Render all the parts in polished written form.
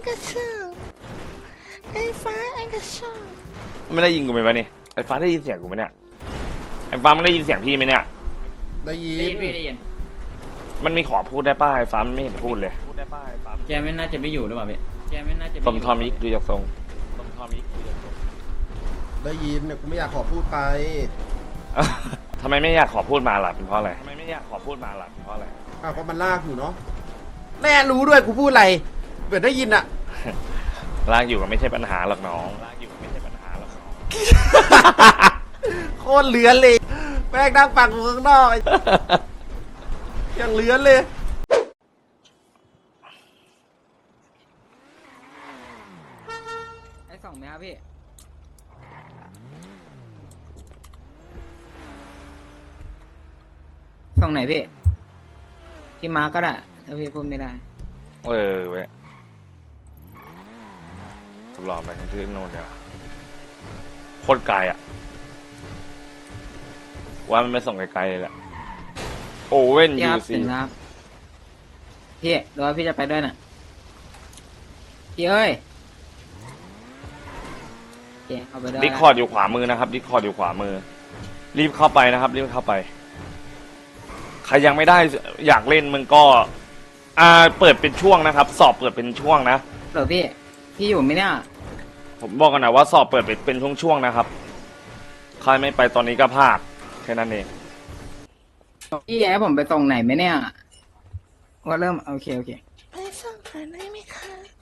กระชือไอ้ฟ้าไอ้กระชือไม่ได้ยินกูไหมวะนี่ไอ้ฟ้าได้ยินเสียงกูไหมเนี่ยไอ้ฟ้ามันได้ยินเสียงพี่ไหมเนี่ยได้ยิได้นยินพี่ได้ยินมันมีขอพูดได้ป้าไอ้ฟ้ามันไม่เห็นพูดเลยแกไม่น่าจะไม่อยู่หรือเปล่าพี่แกไม่น่าจะสมทอมิกดูจากทรงสมทอมิกดูจากทรงได้ยินเนี่ยกูไม่อยากขอพูดไปทำไมไม่อยากขอพูดมาล่ะเป็นเพราะอะไรทำไมไม่อยากขอพูดมาล่ะเป็นเพราะอะไรอ้าวเพราะมันลากอยู่เนาะแน่รู้ด้วยกูพูดอะไรเปิดได้ยินอะลากอยู่ก็ไม่ใช่ปัญหาหรอกน้องลากอยู่ก็ไม่ใช่ปัญหาหรอกน้องโคตรเลือนเลยแม่งนั่งฟังกูข้างนอกไอ้ ยังเลือนเลยไอ้สองไหมครับพี่ส่งไหนพี่พี่มาร์กก็ได้ถ้าพี่พูดไม่ได้เออเว้ยทดลองไปที่โน่นเดี๋ยวโคตรไกลอ่ะว่ามันไม่ส่งไกลๆเลยแหละโอเว่นพี่ยูครับซีถึงครับพี่หรือว่าพี่จะไปด้วยน่ะพี่เอ้ยโอเคเอาไปด้วยดิสคอร์ดอยู่ขวามือนะครับดิสคอร์ดอยู่ขวามือรีบเข้าไปนะครับรีบเข้าไปใครยังไม่ได้อยากเล่นมึงก็เปิดเป็นช่วงนะครับ สอบเปิดเป็นช่วงนะเดี๋ยวพี่อยู่ไหมเนี่ยผมบอกกันนะว่าสอบเปิดเป็นช่วงๆนะครับใครไม่ไปตอนนี้ก็พลาดแค่นั้นเองพี่ให้ผมไปส่งไหนไหมเนี่ยว่าเริ่มโอเคไปส่งเธอได้ไหมคะ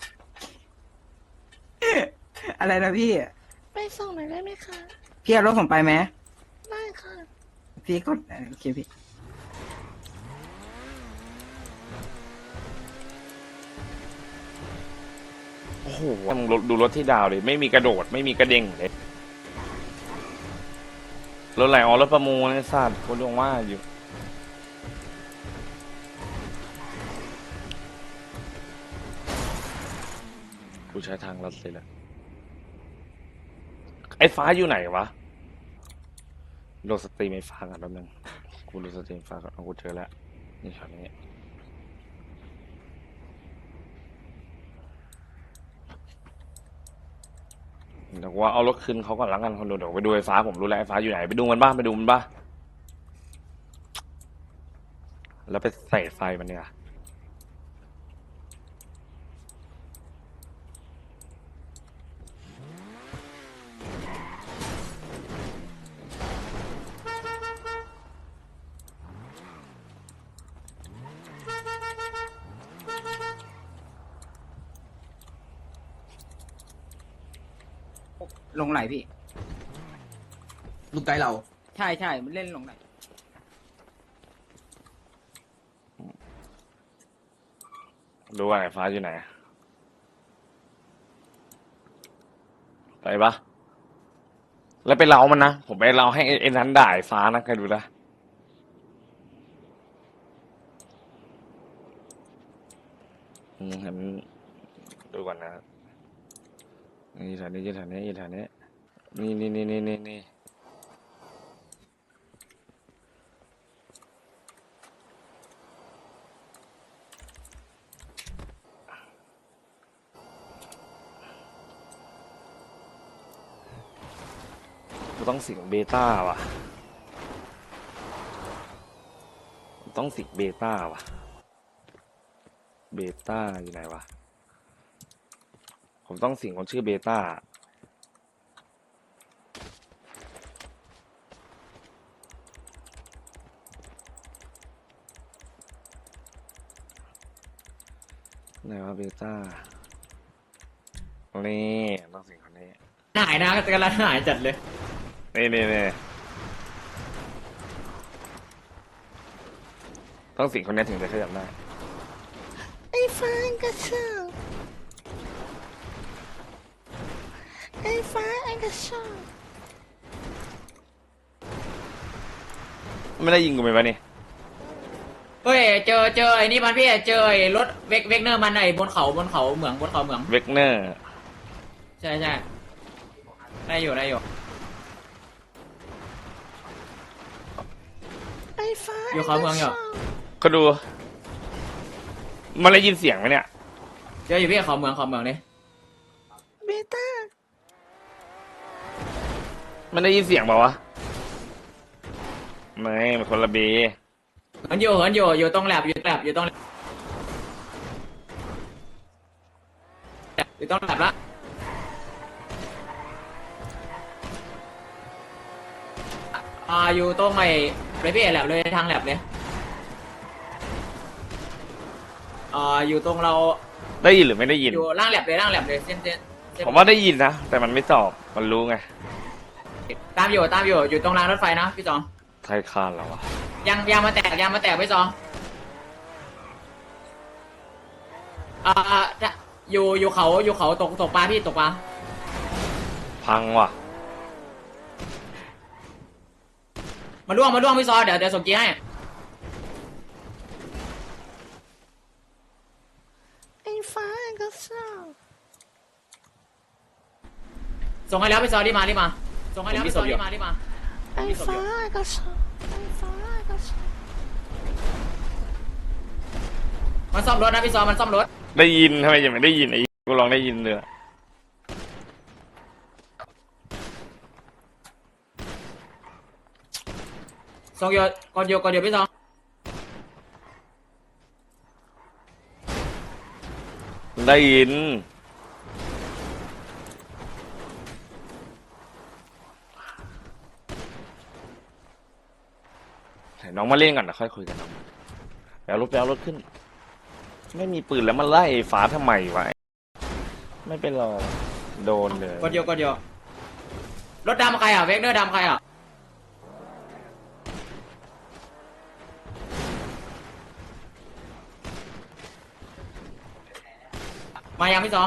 อะไรนะพี่ไปส่งหน่อยได้ไหมคะพี่เอารถผมไปไหมได้ค่ะพี่กดโอเคพี่โอ้โหมึงดูรถที่ดาวเลยไม่มีกระโดดไม่มีกระเด้งเลยรถไหลรถประมูลไอ้สัตว์คนดวงว่าอยู่กูใช้ทางลัดเลยละไอ้ฟ้าอยู่ไหนวะโหลดสตรีมไอ้ฟ้ากันแป๊บนึงกูโหลดสตรีมฟ้าก่อนเอากูเจอแล้วนี่ช็อตนี้เดี๋ยวว่าเอารถคืนเขาก่อนละกันคนดูเดี๋ยวไปดูไอ้ฟ้าผมรู้แล้วไอ้ฟ้าอยู่ไหนไปดูมันบ้างไปดูมันบ้างแล้วไปใส่ไฟมันเนี่ยลงไหลพี่ลูกไกด์เราใช่มันเล่นลงไหลดูว่าไอ้ฟ้าอยู่ไหนไปปะแล้วไปเล้ามันนะผมไปเล้าให้ไอ้นั้นด่าไอ้ฟ้านะใครดูนะเห็นดูก่อนนะนี่แถวนี้แถวนี้แถวนี้นี่กูต้องสิงเบต้าว่ะต้องสิงเบต้าว่ะเบต้าอยู่ไหนวะผมต้องสิงคนชื่อเบต้าไหนวะเบต้านี่ต้องสิงคนนี้หายนะกำลังหายจัดเลยนี่ต้องสิงคนนี้ถึงจะขยับได้ไอ้ฟ้าไอ้กระชือไอ้ฟ้าไอ้กระชือไม่ได้ยิงกูไหมวะนี่เฮ้ยเจอไอ้นี่มันพี่เจอไอ้รถเวกเนอร์มันไอ้บนเขาเหมืองบนเขาเหมืองเวกเนอร์ใช่ได้อยู่ไอ้ฟ้าอยู่เขาเมืองอยู่ก็ดู มันได้ยินเสียงไหมเนี่ยเจออยู่พี่เขาเหมืองเลยเบต้ามันได้ยินเสียงเปล่าวะไม่มันคนละเบอยู่ตรงแลบอยู่ตรงแลบละอยู่ตรงไอ้เลยพี่แลบเลยทางแลบเลยอยู่ตรงเราได้ยินหรือไม่ได้ยินอยู่ล่างแลบเลยเส้นผมว่าได้ยินนะแต่มันไม่ตอบมันรู้ไงตามอยู่อยู่ตรงรางรถไฟนะพี่จองไทยคานแล้ววะยางมาแตกพี่จองอยู่เขาตกปลาพี่ตกปลาพังว่ะมาล่วงพี่ซอเดี๋ยวส่งกี้ให้ไอ้ฟ้าไอ้กระชากส่งให้แล้วพี่ซอรีบมาส่งให้แล้วพี่ซอรีบมาไอ้ฟ้าไอ้กระชากไอ้ฟ้าไอ้กระชากมันซ่อมรถนะพี่ซอมันซ่อมรถได้ยินทำไมยังไม่ได้ยินไอ้กูลองได้ยินเลยส่งก่อนเดียวพี่ซอได้ยินให้น้องมาเล่นก่อนนะค่อยคุยกันน้องแปลรถขึ้น ไม่มีปืนแล้วมาไล่ฟ้าทำไมวะไม่เป็นรอโดนเลยก่อนเดียวรถดำใครเวกเนอร์ดำใครมายังพี่ซอ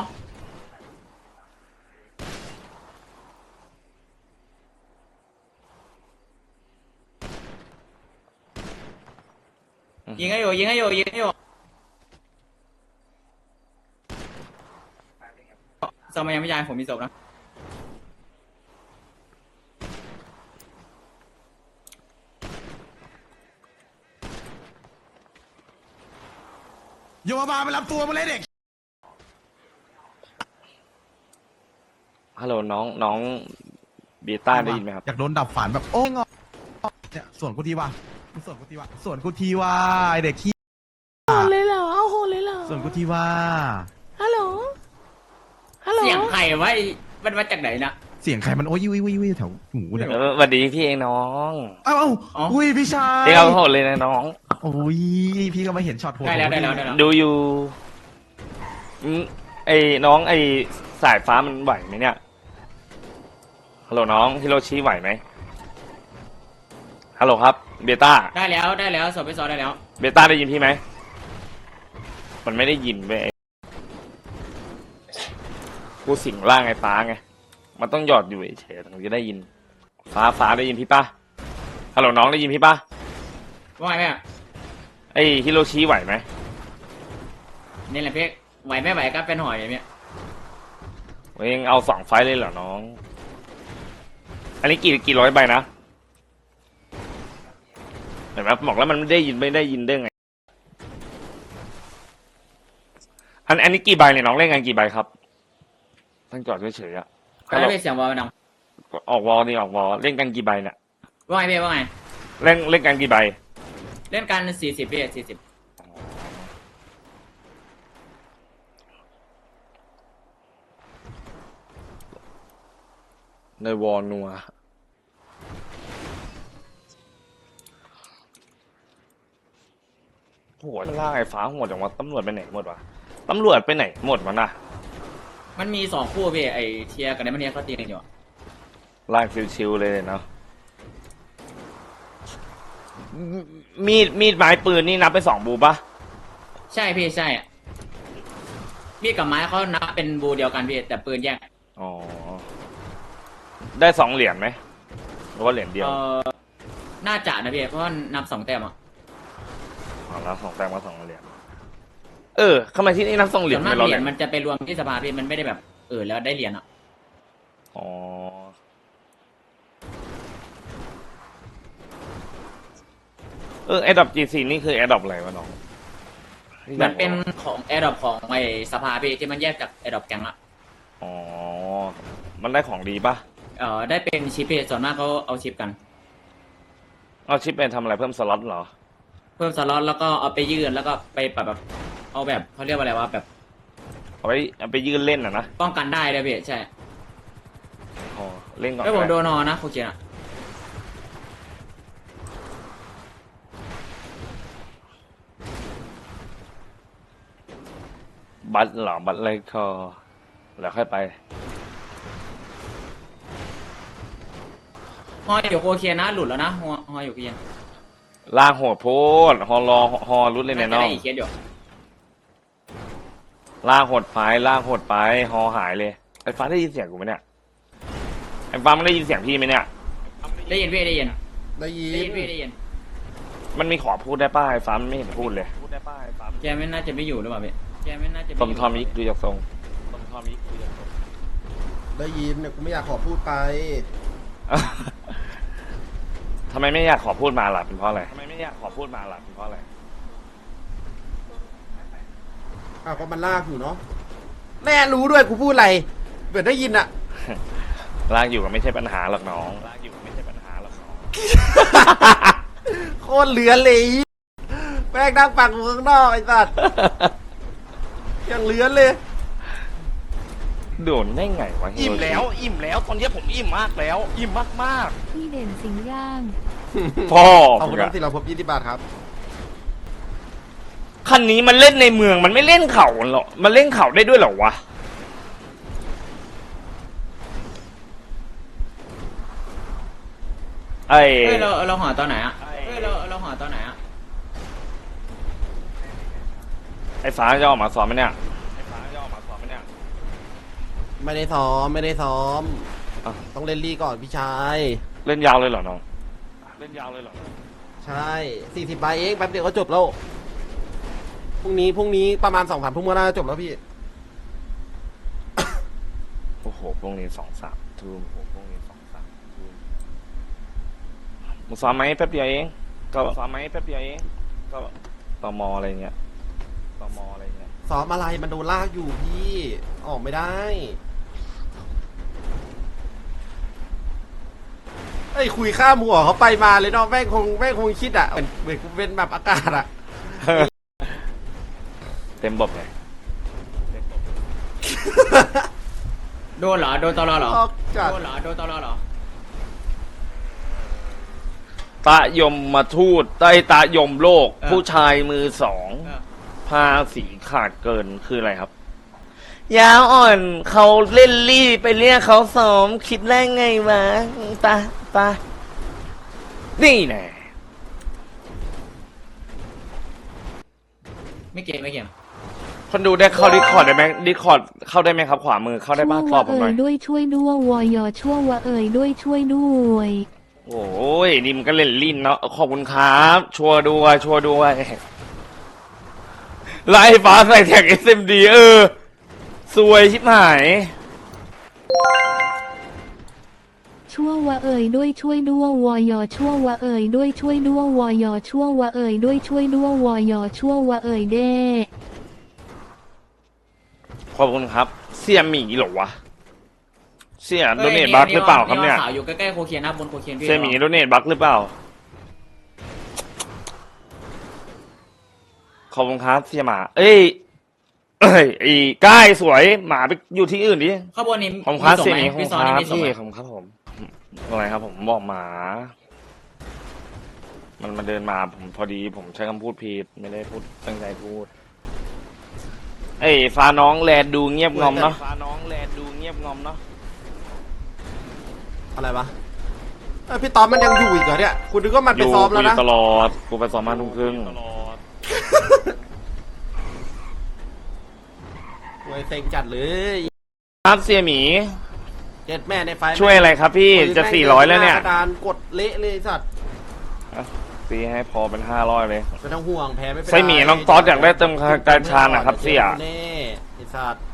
ยิงให้อยู่ซอมายังไม่ยายผมมีศพนะโยมาไปรับตัวมาเลยเด็กฮัลโหลน้องเบต้าได้ยินไหมครับอยากโดนดับฝันแบบโอ้งอเนี่ยส่วนกูทีว่าไอเด็กขี้โหดเลยเหรอเอาโหดเลยเหรอส่วนกูทีว่าฮัลโหลฮัลโหลเสียงใครวะมันมาจากไหนนะเสียงใครมันโอ้ยวิวแถวหูเนี่ยสวัสดีพี่เองน้องเอ้าอุ้ยพี่ชายเองเอาโหดเลยนะน้องโอ้ยพี่ก็มาเห็นช็อตโหดได้แล้วดูอยู่ไอ้น้องไอ้สายฟ้ามันไหวไหมเนี่ยฮัลโหลน้องฮิโรชิไหวไหมฮัลโหลครับเบต้าได้แล้วศพพี่ซอได้แล้วเบต้าได้ยินพี่ไหมมันไม่ได้ยินเว้ยกูสิงร่างไอ้ฟ้าไงมันต้องหยอดอยู่เฉยๆถึงจะได้ยินฟ้าได้ยินพี่ป่ะฮัลโหลน้องได้ยินพี่ป่ะว่าไงแม่ไอ้ฮิโรชิไหวไหมนี่แหละพี่ไหวไม่ไหวก็เป็นหอยอย่างเนี้ยเองเอา2 ไฟล์เลยเหรอน้อง อันนี้กี่ร้อยใบนะเห็นไหมบอกแล้วมันไม่ได้ยินได้ไงอันนี้กี่ใบเนี่ยน้องเล่นกันกี่ใบครับตั้งจอดเฉยๆอะก็ได้เสียงวอลดังออกวอลเล่นกันกี่ใบเนี่ยว่าไงพี่ว่าไงเล่นกันกี่ใบเล่นกัน40พี่40 ในวอลนัวโหมันล่าไอ้ฟ้าหมดอย่างว่าตำรวจไปไหนหมดวะตำรวจไปไหนหมดวะน่ะมันมี2คู่พี่ไอเทียกับไดมอนเนียเขาตีกันอยู่ล่างชิวๆเลยเนาะมีดไม้ปืนนี่นับไป2 บูปะใช่พี่ใช่มีดกับไม้เขานับเป็นบูเดียวกันพี่แต่ปืนแยกอ๋อได้2 เหรียญไหมหรือว่าเหรียญเดียวน่าจะนะพี่เพราะว่านับ2 แต้มอ่ะอ๋อแล้ว2 แต้มก็2 เหรียญทำไมที่นี่นับ2 เหรีส่ยญวนมากไม่เหรียญญมันจะไปรวมที่สภาพี่มันไม่ได้แบบแล้วได้เหรียญอ่ะอ๋อแอดดอป G4 นี่คือแอดดอปอะไรวะน้องมันเป็นของแอร์ดรอปของไอ้สภาพี่ที่มันแยกจากแอร์ดรอปแกงอะอ๋อมันได้ของดีปะได้เป็นชิปพี่ส่วนมากเขาเอาชิปกันเอาชิปไปทำอะไรเพิ่มสล็อตเหรอเพิ่มสล็อตแล้วก็เอาไปยืนแล้วก็ไปแบบเอาแบบเขาเรียกว่าอะไรวะแบบเอาไปยืนเล่นนะป้องกันได้ด้วยพี่ใช่อ๋อเล่นก่อนไม่ผมก็โดได้นนอนนะโคเคนอะบัตรเหรอบัตรอะไรก็แล้วค่อยไปฮออยู่โคเคนนะหลุดแล้วนะฮออยู่โคเคนล่างโหดโพดฮอรอฮอรุดเลยน่าเนี่ยจะน้อได้งอีกเคสอยู่ล่างโหดไปล่างโหดไปฮอหายเลยไอ้ฟ้าได้ยินเสียงกูไหมเนี่ยไอ้ฟ้ามันได้ยินเสียงพี่ไหมเนี่ยได้ยินพี่ได้ยินได้ยิได้ยินนพี่ได้ยินมันมีขอพูดได้ป้าไอ้ฟ้ามันไม่เห็นพูดเลยพูดได้ป้าไอ้ฟ้าแกไม่น่าจะไม่อยู่หรือเปล่าพี่แกไม่น่าจะไสมทอมยิกดูจากทรงสมทอมยิกดูจากทรงได้ยินเนี่ยกูไม่อยากขอพูดไปทำไมไม่อยากขอพูดมาล่ะเป็นเพราะอะไรทำไมไม่อยากขอพูดมาล่ะเป็นเพราะอะไรอ้าวก็มันลากอยู่เนาะแน่รู้ด้วยกูพูดอะไรเปิดได้ยินอะลากอยู่ก็ไม่ใช่ปัญหาหรอกน้องลากอยู่ก็ไม่ใช่ปัญหาหรอกน้องโคตรเหลือเลยแม่งนั่งฟังกูข้างนอกไอ้สัตว์ยังเหลือเลยโดนได้ไงวะอิ่มแล้วตอนนี้ผมอิ่มมากแล้วอิ่มมากพี่เด่นสิงห์ย่างๆพ่อขอบผคุมณอะทั้ง400 20 บาทครับคันนี้มันเล่นในเมืองมันไม่เล่นเขาหรอมันเล่นเขาได้ด้วยเหรอวะไอ้เฮ้ยเราหอตอนไหนอะเฮ้ยเราหอตอนไหนอะไอ้ฟ้าจะออกมาสอนไหมเนี่ยไอ้ฟ้าจะออกมาสอนไหมเนี่ยไม่ได้ซ้อมไม่ได้ซ้อมอ่ะต้องเล่นลี่ก่อนพี่ชายเล่นยาวเลยเหรอน้องเล่นยาวเลยเหรอใช่40 ใบเองแป๊บเดียวก็จบแล้วพรุ่งนี้ประมาณ2-3 ทุ่มก็น่าจะจบแล้วพี่โอ้โหพรุ่งนี้2-3 ทุ่มโอ้โหพรุ่งนี้2-3 ทุ่มมึงซ้อมไหมแป๊บเดียวเองก็ซ้อมไหมแป๊บเดียวเองก็ตมอะไรเงี้ยตมอะไรเงี้ยซ้อมอะไรมันโดนลากอยู่พี่ออกไม่ได้ไอ้ยคุยข้ามหัวเขาไปมาเลยเนาะแม่งคงคิดอ่ะเหมือนกูเป็นแบบอากาศอ่ะเต็มบบไงโดนเหรอโดนตลอเหรอออกจากโดนเหรอโดนตลอเหรอตะยมมาทูตใต้ตะยมโลก ผู้ชายมือสองเออภาษีขาดเกินคืออะไรครับ ยาวอ่อนเขาเล่นรี่ไปเรียกเขาซ้อมคิดได้ไงวะปะนี่แน่ไม่เก่งไม่เก่งคนดูได้เข้าดิคอร์ดได้ไหมดิคอร์ดเข้าได้ไหมครับ ขวามือเข้าได้บ้างตอบผมหน่อยด้วยช่วยด้วยวอยชั่ววะเอ่ยด้วยช่วยด้วยโอ้ยนี่มันก็เล่นลิ้นเนาะขอบคุณครับชัวร์ด้วยไล่ฟ้าใส่แท็ก SMD สวยชิบหายชั่ววะเอ่ยด้วยช่วยด้วยวอยชั่ววะเอ่ยด้วยช่วยด้วยวอยชั่ววะเอ่ยด้วยช่วยด้วยวอยชั่ววะเอ่ยเด้ขอบคุณครับ เสี่ยหมีเหรอวะ เสี่ยโดเนทบัคหรือเปล่าครับเนี่ยขาวอยู่ใกล้ๆโคเคนนะบนโคเคนพี่เสี่ยหมีโดเนทบัคหรือเปล่า ขอบคุณครับเสี่ยหมา ไอ้ก้ายสวยหมาไปอยู่ที่อื่นดิข้างบนนี้ขอบคุณครับส่งเสี่ยไหหมมีขอบคุพี่ณซอนคนี่รับมีส่งพี่ไหมขอบคุณครับผมอะไรครับผมบอกหมา มันมาเดินมาผมพอดีผมใช้คำพูดผิดไม่ได้พูดตั้งใจพูด เอ้ยฟ้าน้องแลดูเงียบงอมเนาะฟ้าน้องแลดูเงียบงอมเนาะอะไรวะพี่ตอมมันยังอยู่อีกเหรอเนี่ยคุณนึกว่ามันไปซ้อมแล้วนะตลอดกูไปซ้อมมาทุ่มครึ่งโวยเซ็งจัดเลยครับเสี่ยหมีเจ็ดแม่ในไฟช่วยอะไรครับพี่จะ400แล้วเนี่ยกระดานกดเละเลยสัตว์ตีให้พอเป็น500เลยไม่ต้องห่วงแพ้ไม่เป็นไรไส้หมีน้องต๊อดอยากได้เติมการชานะครับเสี่ยเน่ไอ้สัตว์